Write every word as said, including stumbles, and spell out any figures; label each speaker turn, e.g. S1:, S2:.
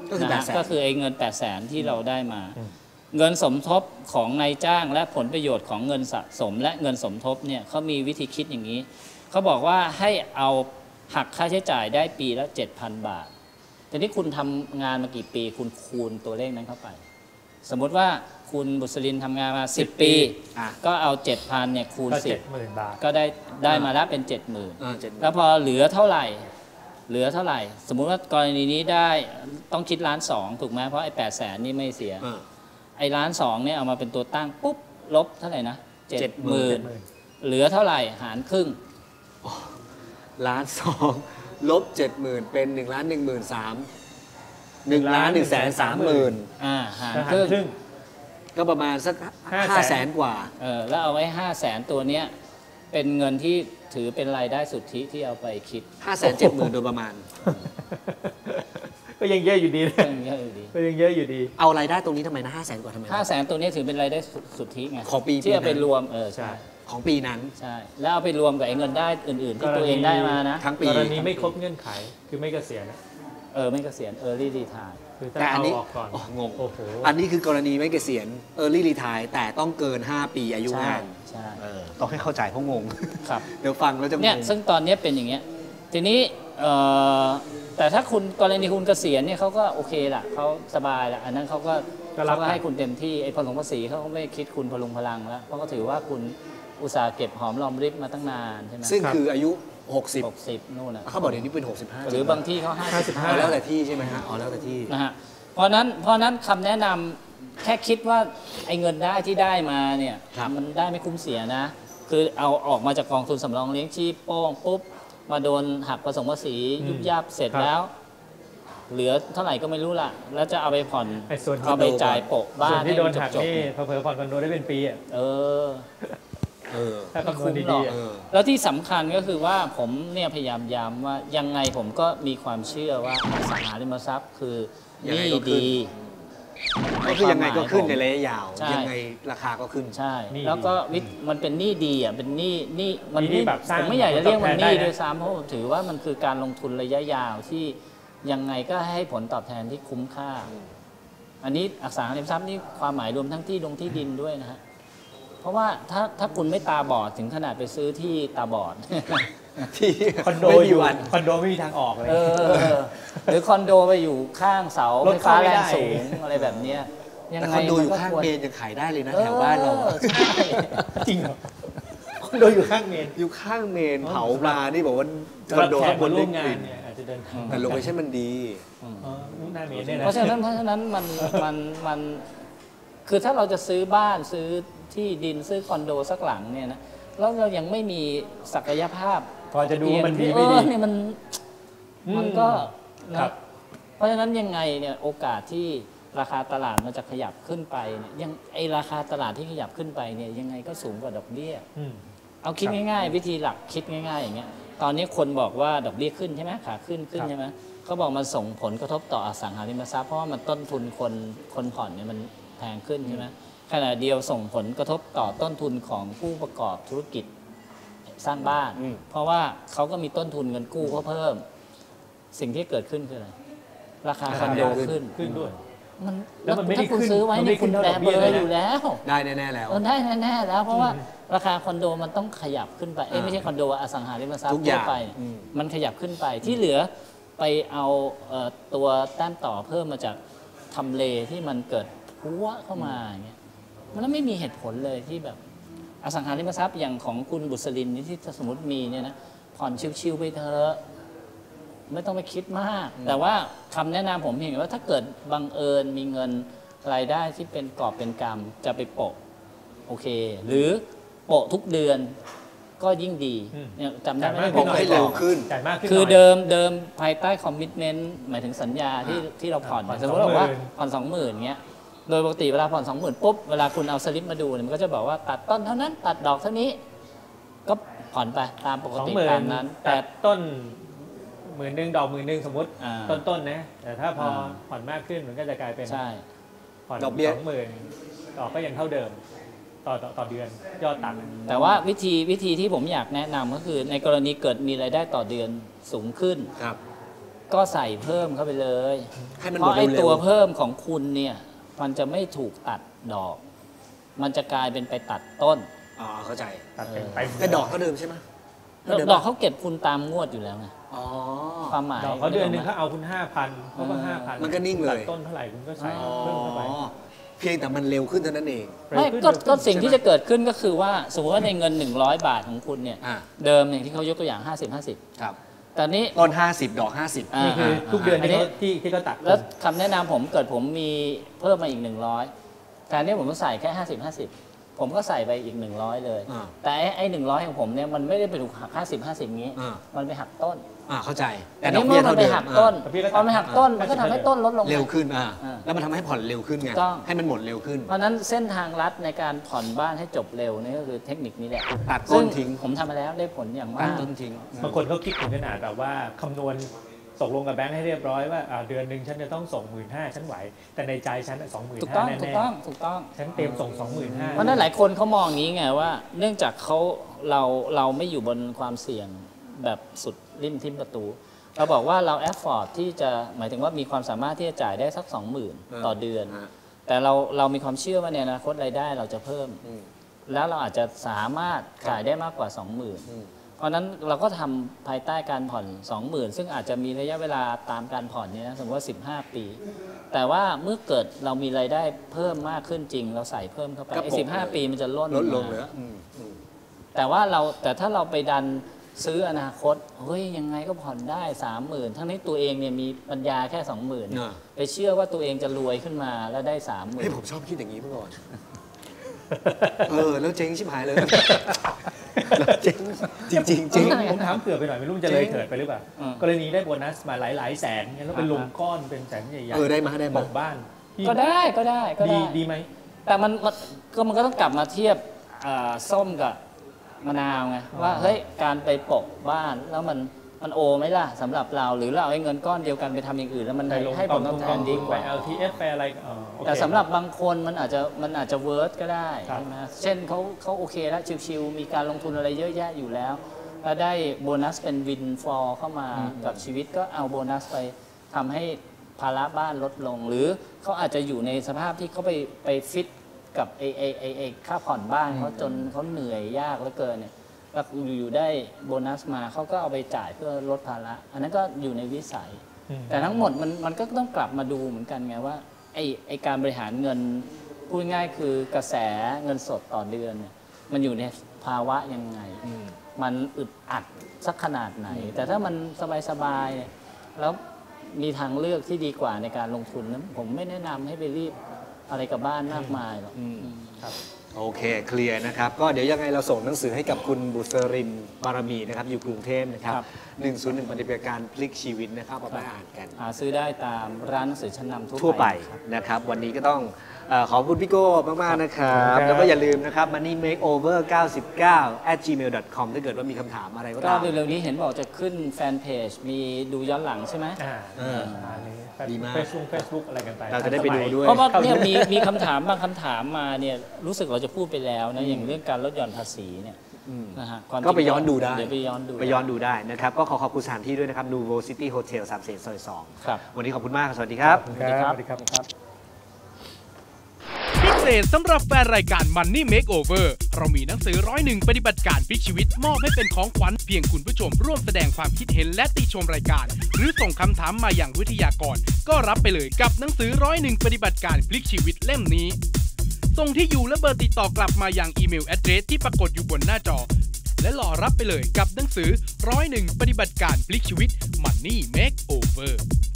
S1: นะก็คือไอ้เงินแปดแสนที่เราได้มาเงินสมทบของนายจ้างและผลประโยชน์ของเงินสะสมและเงินสมทบเนี่ยเขามีวิธีคิดอย่างนี้เขาบอกว่าให้เอาหักค่าใช้จ่ายได้ปีละ เจ็ดพัน บาทแต่ที่คุณทำงานมากี่ปีคุณคูณตัวเลขนั้นเข้าไปสมมติว่าคุณบุษรินทำงานมาสิบปีก็เอา เจ็ดพัน เนี่ยคูณสิบก็ได้ได้มาแล้วเป็น เจ็ดหมื่น แล้วพอเหลือเท่าไหร่เหลือเท่าไหร่สมมุติว่ากรณีนี้ได้ต้องคิดล้านสองถูกไหมเพราะไอ้แปดแสนนี่ไม่เสียไอ้ล้านสองเนี่ยเอามาเป็นตัวตั้งปุ๊บลบเท่าไหร่นะเจ็ดหมื่นเหลือเท่าไหร่หารครึ่ง
S2: ล้านสองลบเจ็ดหมื่นเป็นหนึ่งล้านหนึ่งหมื่นสามหนึ่งล้านหนึ่งแสนสามหมื่น
S1: อ่าหารครึ่ง
S2: ก็ประมาณสักห้าแสนกว่า
S1: เออแล้วเอาไว้ห้าแสนตัวเนี้ยเป็นเงินที่ถือเป็นรายได้สุทธิที่เอาไปคิด
S2: ห้าแสนเจ็ดหมื่นโดยประมาณ
S3: ก็ยังเยอะอยู่ดี
S1: ยังเยอะอยู่ดี
S3: ก็ยังเยอะอยู่ดี
S2: เอารายได้ตรงนี้ทำไมนะห้าแสนกว่าทำไม
S1: ห้าแสนตัวนี้ถือเป็นรายได้สุทธิไง
S2: ของปี
S1: ที่เอาไปรวมเออใช่
S2: ของปีนั้น
S1: ใช่แล้วเอาไปรวมกับไอ้เงินได้อื่นๆที่ตัวเองได้มานะ
S2: ทั้งปี
S3: กรณีไม่ครบเงื่อนไขคือไม่เกษียณ
S1: เออไม่เกษียณ early retire
S2: แต่อันนี้งงอันนี้คือกรณีไม่เกษียณ early retire แต่ต้องเกินห้าปีอายุงาน
S1: ใช่
S2: ต้องให้เข้าใจเพราะงง
S1: ครับ
S2: เดี๋ยวฟังแล้วจะงง
S1: เนี่ยซึ่งตอนนี้เป็นอย่างเงี้ยทีนี้แต่ถ้าคุณกรณีคุณเกษียณเนี่ยเขาก็โอเคละเขาสบายละอันนั้นเขาก็เขาก็ให้คุณเต็มที่ไอ้พลงภาษีเขาก็ไม่คิดคุณพลุงพลังแล้วเพราะเขาถือว่าคุณอุตสาห์เก็บหอมรอมริบมาตั้งนานใช่ไหม
S2: ซึ่งคืออายุหกสิบ
S1: หกสิบนู่นนะ
S2: เขาบอกเดี๋ยวนี้เป็นหกสิบห้า
S1: หรือบางที่เขาห้าสิบห้า
S2: แล้วแต่ที่ใช่ไหมฮะอ๋อแล้วแต่ที่
S1: นะฮะเพราะนั้นเพราะนั้นคำแนะนำแค่คิดว่าไอ้เงินได้ที่ได้มาเนี่ยมันได้ไม่คุ้มเสียนะคือเอาออกมาจากกองทุนสำรองเลี้ยงชีพโป้งปุ๊บมาโดนหักผสมภาษียุบยับเสร็จแล้วเหลือเท่าไหร่ก็ไม่รู้ละแล้วจะเอาไปผ่อนเอาไปจ่ายโปะบ้าน
S3: ที่โดนหักนี่เผลอๆผ่อนคอนโดได้เป็นปีอ่ะ
S1: เออ
S2: เออ
S3: ถ้าคำนวณดีๆ
S1: แล้วที่สำคัญก็คือว่าผมเนี่ยพยายามย้ำว่ายังไงผมก็มีความเชื่อว่าอสังหาริมทรัพย์คือนี่ดี
S2: ก็คือยังไงก็ขึ้นในระยะยาวยังไงราคาก็ขึ้น
S1: ใช่แล้วก็มันเป็นหนี้ดีอ่ะเป็นหนี้หนี้มันนี่แบบผมไม่อยากจะเรียกมันหนี้ด้วยซ้ำเพราะผมถือว่ามันคือการลงทุนระยะยาวที่ยังไงก็ให้ผลตอบแทนที่คุ้มค่าอันนี้อสังหาริมทรัพย์นี่ความหมายรวมทั้งที่ลงที่ดินด้วยนะฮะเพราะว่าถ้าถ้าคุณไม่ตาบอดถึงขนาดไปซื้อที่ตาบอด
S2: ที่
S3: คอนโดอยู่คอนโดไม่มีทางออกเลย
S1: หรือคอนโดไปอยู่ข้างเสาไฟฟ้าแรงสูงอะไรแบบนี้
S2: ยังไงคอนโดอยู่ข้างเมนยังขายได้เลยนะแถวบ้านเรา
S3: จริงเหรอคอนโดอยู่ข้างเมน
S2: อยู่ข้างเมนเผาปลานี่บอกว่าคอนโดบน
S3: ร่วมงานเนี่ยอาจจะเดินทาง
S2: แต่โลเคชั่นมันดี
S1: เพราะฉะนั้นเพราะฉะนั้นมันมันมันคือถ้าเราจะซื้อบ้านซื้อที่ดินซื้อคอนโดสักหลังเนี่ยนะแล้วเรายังไม่มีศักยภาพ
S3: พอจะดูมันดีไม่ดี
S1: เนี่ยมันมันก็นะเพราะฉะนั้นยังไงเนี่ยโอกาสที่ราคาตลาดมันจะขยับขึ้นไปเนี่ยยังไอราคาตลาดที่ขยับขึ้นไปเนี่ยยังไงก็สูงกว่าดอกเบี้ยเอาคิดง่ายๆวิธีหลักคิดง่ายๆอย่างเงี้ยตอนนี้คนบอกว่าดอกเบี้ยขึ้นใช่ไหมขาขึ้นขึ้นใช่ไหมเขาบอกมันส่งผลกระทบต่ออสังหาริมทรัพย์เพราะว่ามันต้นทุนคนคนผ่อนเนี่ยมันแพงขึ้นใช่ไหมขณะเดียวส่งผลกระทบต่อต้นทุนของผู้ประกอบธุรกิจสร้างบ้านเพราะว่าเขาก็มีต้นทุนเงินกู้เขาเพิ่มสิ่งที่เกิดขึ้นคืออะไรราคาคอนโดขึ้น
S3: ขึ้นด้วย
S1: มันแล้วถ้าคุณซื้อไว้เนี่ยคุณแบเบอร์อยู่แล้ว
S2: ได้แน่ๆแล้ว
S1: ได้แน่ๆแล้วเพราะว่าราคาคอนโดมันต้องขยับขึ้นไปไม่ใช่คอนโดอสังหาริมทรัพย์ทั่วไปมันขยับขึ้นไปที่เหลือไปเอาตัวแต้มต่อเพิ่มมาจากทำเลที่มันเกิดพัวเข้ามาอย่างเงี้ยมันไม่มีเหตุผลเลยที่แบบอสังหาริมทรัพย์อย่างของคุณบุษรินที่สมมติมีเนี่ยนะผ่อนชิวๆไปเถอะไม่ต้องไปคิดมากแต่ว่าคำแนะนำผมเห็นว่าถ้าเกิดบังเอิญมีเงินรายได้ที่เป็นกอบเป็นกำจะไปโปะโอเคหรือโปะทุกเดือนก็ยิ่งดีเนี่ยจำได้ไหม
S2: ผมให้เร็วขึ้น
S1: คือเดิมเดิมภายใต้คอมมิชเมนต์หมายถึงสัญญาที่ที่เราผ่อนสมมติว่าผ่อนสองหมื่นเงี้ยโดยปกติเวลาผ่อนสองหมื่นปุ๊บเวลาคุณเอาสลิปมาดูเนี่ยมันก็จะบอกว่าตัดต้นเท่านั้นตัดดอกเท่านี้ก็ผ่อนไปตามปกติตามนั้น
S3: แต่ต้นหมื่นหนึ่งดอกหมื่นหนึ่งสมมติต้นๆนะแต่ถ้าพอผ่อนมากขึ้นมันก็จะกลายเป็นผ่อนสองหมื่นดอกก็ยังเท่าเดิมต่อต่อเดือนยอดตังค์
S1: แต่ว่าวิธีวิธีที่ผมอยากแนะนำก็คือในกรณีเกิดมีรายได้ต่อเดือนสูงขึ้นก็ใส่เพิ่มเข้าไปเลย
S2: ให้มัน
S1: เพ
S2: หมด
S1: ราะไอ้
S2: เร็
S1: ตัว วเพิ่มของคุณเนี่ยมันจะไม่ถูกตัดดอก มันจะกลายเป็นไปตัดต้น
S2: อ๋อเข้าใจ
S3: ตัดเป็นไป
S2: แต่ดอกเขาเดิมใช่ไหม
S1: ดอกเขาเก็บคุณตามงวดอยู่แล้วไง
S2: อ๋อ
S1: ความหมาย
S3: ดอกเขาเดือนหนึ่งเขาเอาคุณห้าพันเขาก็ห้าพัน
S2: มันก็นิ่งเลย
S3: ตัดต้นเท่าไหร่คุณก็ใส่เพิ่มเข้าไป
S2: อ๋อเพียงแต่มันเร็วขึ้นเท่านั้นเอง
S1: ไม่ก็ก็สิ่งที่จะเกิดขึ้นก็คือว่าสมมติว่าในเงินหนึ่งร้อยบาทของคุณเนี่ย
S2: อ่า
S1: เดิมอย่างที่เขายกตัวอย่างห้าสิบ ห้าสิบ
S2: ครับ
S1: แต่นี้
S2: ต้นห้าสิบดอกห้าสิบ
S1: อ่า
S3: นี่คือทุกเดือนที่เขาที่ที่เขาตัด
S1: แล้วคำแนะนำผมเกิดผมมีเพิ่มมาอีกหนึ่งร้อยแทนที่ผมจะใส่แค่ห้าสิบ ห้าสิบผมก็ใส่ไปอีกหนึ่งร้อยเลย
S2: อ่า
S1: แต่ไอ้ไอ้หนึ่งร้อยของผมเนี่ยมันไม่ได้ไปถูกหักห้าสิบ ห้าสิบงี้
S2: อ่า
S1: มันไปหักต้น
S2: อ่าเข้าใจ แต่
S1: อัน
S2: ดอ
S1: นี้
S2: ก
S1: เมื่
S2: เบี้
S1: อย มัน
S2: เท่า
S1: ไป
S2: เดิม
S1: หักต้น
S3: ดอกเบี้ยก็
S1: พอมันหักต้นมันก็ทำให้ต้นลดลง
S2: เร็วขึ้นอ่า
S1: อ่า
S2: แล้วมันทำให้ผ่อนเร็วขึ้นไง
S1: ถูกต้อง
S2: ให้มันหมดเร็วขึ้น
S1: เพราะฉะนั้นเส้นทางลัดในการผ่อนบ้านให้จบเร็วนี่ก็คือเทคนิคนี้แหละ
S2: ตัดต้นทิ้ง
S1: ซึ่ผมทำมาแล้วได้ผลอย่าง
S2: ตั
S1: มา
S2: ด
S1: ก
S2: ต้นทิ้ง
S3: บางคนเขาคิดถึงขนาดแบบว่าคำนวณตกลงกับแบงค์ให้เรียบร้อยว่าอ่าเดือนหนึ่งฉันจะต้องส่งหมื่นห้าฉันไหว แต่ในใจฉันสองหมื่น
S1: ถูก
S3: ห้า
S1: ต้อง
S3: แน่
S1: ถูกต้องถูกต้อง
S3: ๆฉันเตรียมส่งสองหมื่นห้า
S1: เพราะฉะนั้นหลายคนเขามองอย่างนี้ไงว่า เนื่องจากเขาเราเราไม่อยู่บนความเสี่ยงแบบสุดริมทิมประตู เราบอกว่าเราแอฟฟอร์ดที่จะหมายถึงว่ามีความสามารถที่จะจ่ายได้สักสองหมื่นต่อเดือน แต่เราเรามีความเชื่อว่าในอนาคตรายได้เราจะเพิ่ม
S2: อืม
S1: แล้วเราอาจจะสามารถจ่ายได้มากกว่า สองหมื่น
S2: อืม
S1: เพราะฉะนั้นเราก็ทำภายใต้การผ่อน สองหมื่น ซึ่งอาจจะมีระยะเวลาตามการผ่อนเนี่ยนะสมมติว่าสิบห้า ปี แต่ว่าเมื่อเกิดเรามีรายได้เพิ่มมากขึ้นจริง เราใส่เพิ่มเข้าไป
S2: ก็
S1: ไอ้
S2: ปก
S1: สิบห้า
S2: เลย
S1: ปีมันจะล่น
S2: ลดลง
S1: มา
S2: เหลืออืมอืม
S1: แต่ว่าเราแต่ถ้าเราไปดันซื้ออนาคตเฮ้ยยังไงก็ผ่อนได้สามหมื่นทั้งนี้ตัวเองเนี่ยมีปัญญาแค่สองหมื่น
S2: อ่า
S1: ไปเชื่อว่าตัวเองจะรวยขึ้นมาแล้วได้สามหมื่
S2: เฮ้ย
S1: น
S2: ผมชอบคิดอย่างนี้เมื่อก่อน เออ แล้วเจ๊งชิบหายเลยแล้วเจ๊งจริงจริงๆเจ๊ง
S3: ผมถามเผื่อไปหน่อยไม่รู้มันจะเลยเถิดไปหรือเปล่า
S1: อืม
S3: กรณีได้โบนัสมาหลายๆแสนเนี่ยแล้วเป็นลงก้อนเป็นแสนใหญ่ๆ
S2: เออได้มาได้มา
S3: ปกบ้านที่
S1: ก็ได้ก็ได้ก็
S3: ดี
S1: ได้
S3: ดีไหม
S1: แต่มันมันก็มันก็ต้องกลับมาเทียบอ่าส้มกับมะนาวไงว่าเฮ้ยการไปปกบ้านแล้วมันมันโอไหมล่ะสำหรับเราหรือเราเอาไอ้เงินก้อนเดียวกันไปทำอย่างอื่นแล้วมัน
S3: ไปลง
S1: ให้
S3: ก
S1: ผ
S3: อง
S1: ลต
S3: ทุ
S1: อบ
S3: น
S1: แท
S3: กอง
S1: น
S3: ทุ
S1: ดี
S3: น
S1: ก
S3: ไป
S1: ว่า
S3: แอล ที เอฟ ไปอะไรอ๋อโอเค
S1: แต่สำหรับบางคนมันอาจจะมันอาจจะเวิร์สก็ได้
S3: ครับ
S1: ใช่ไหมเช่นเขาเขาโอเคแล้วชิวๆมีการลงทุนอะไรเยอะแยะอยู่แล้วแล้วได้โบนัสเป็นวินฟอร์เข้ามากับชีวิตก็เอาโบนัสไปทำให้ภาระบ้านลดลง หรือเขาอาจจะอยู่ในสภาพที่เขาไปไปฟิตกับไอไอไอไอค่าผ่อนบ้านเขาจนเขาเหนื่อยยากเหลือเกินเนี่ยแล้วอยู่ๆได้โบนัสมาเขาก็เอาไปจ่ายเพื่อลดภาระอันนั้นก็อยู่ในวิสัย
S3: อืม
S1: แต่ทั้งหมดมันมันก็ต้องกลับมาดูเหมือนกันไงว่าไอไอการบริหารเงินพูดง่ายๆคือกระแสเงินสดต่อเดือนเนี่ยมันอยู่ในภาวะยังไง
S2: อืม
S1: มันอึดอัดสักขนาดไหน แต่ถ้ามันสบายๆเนี่ยแล้วมีทางเลือกที่ดีกว่าในการลงทุนนะผมไม่แนะนำให้ไปรีบอะไรกับบ้านมากมายหรอก
S2: อืม
S1: ครับ
S2: โอเคเคลียร์นะครับ ก็เดี๋ยวยังไงเราส่งหนังสือให้กับคุณบุษรินบารมีนะครับอยู่กรุงเทพนะครับ
S1: ครับ
S2: หนึ่งศูนย์หนึ่งปฏิบัติการพลิกชีวิตนะครับเอาไปอ่านกัน
S1: หาซื้อได้ตามร้านหนังสือชั้นนำ
S2: ทั่วไป
S1: ครับ
S2: นะครับ วันนี้ก็ต้องเอ่อขอบคุณพี่โก้มาก ๆ นะครับ
S3: ครับ
S2: แล้วก็อย่าลืมนะครับ money makeover เก้าสิบเก้า at gmail dot com ถ้าเกิดว่ามีคำถามอะไรก็
S1: ก็
S2: ตาม
S1: เร็วๆนี้เห็นบอกจะขึ้นแฟนเพจมีดูย้อนหลังใช่ไหม
S3: อ่า
S2: เออ
S3: อันนี้
S2: ดีมาก
S3: เฟซบุ๊กเฟซบุ๊กอะไรกันไป
S2: เราจะได้ไปดูด้วย
S1: เพราะว่าเนี่ยมีมีคำถามบางคำถามมาเนี่ยรู้สึกเราจะพูดไปแล้วนะอย่างเรื่องการลดหย่อนภาษีเนี่ย
S2: อืม
S1: นะฮะความจริง
S2: ก็ไปย้อนดูได้
S1: เดี๋ยวไปย้อนดู
S2: ไปย้อนดูได้นะครับ ก็ขอขอบคุณสถานที่ด้วยนะครับ Nuvo City Hotel สามเสนซอยสอง
S1: ครับ
S2: วันนี้ขอบคุณมาก สวัสดีครับ
S3: ครับสวัสดีครับ
S4: พิเศษสำหรับแฟนรายการ Money Makeover เรามีหนังสือร้อยหนึ่งปฏิบัติการพลิกชีวิตมอบให้เป็นของขวัญเพียงคุณผู้ชมร่วมแสดงความคิดเห็นและติชมรายการ หรือส่งคำถามมาอย่างวิทยากรก็รับไปเลยกับหนังสือร้อยหนึ่งปฏิบัติการพลิกชีวิตเล่มนี้ ส่งที่อยู่และเบอร์ติดต่อกลับมาอย่างอีเมลแอดเดรสที่ปรากฏอยู่บนหน้าจอ และรอรับไปเลยกับหนังสือร้อยหนึ่งปฏิบัติการพลิกชีวิต Money Makeover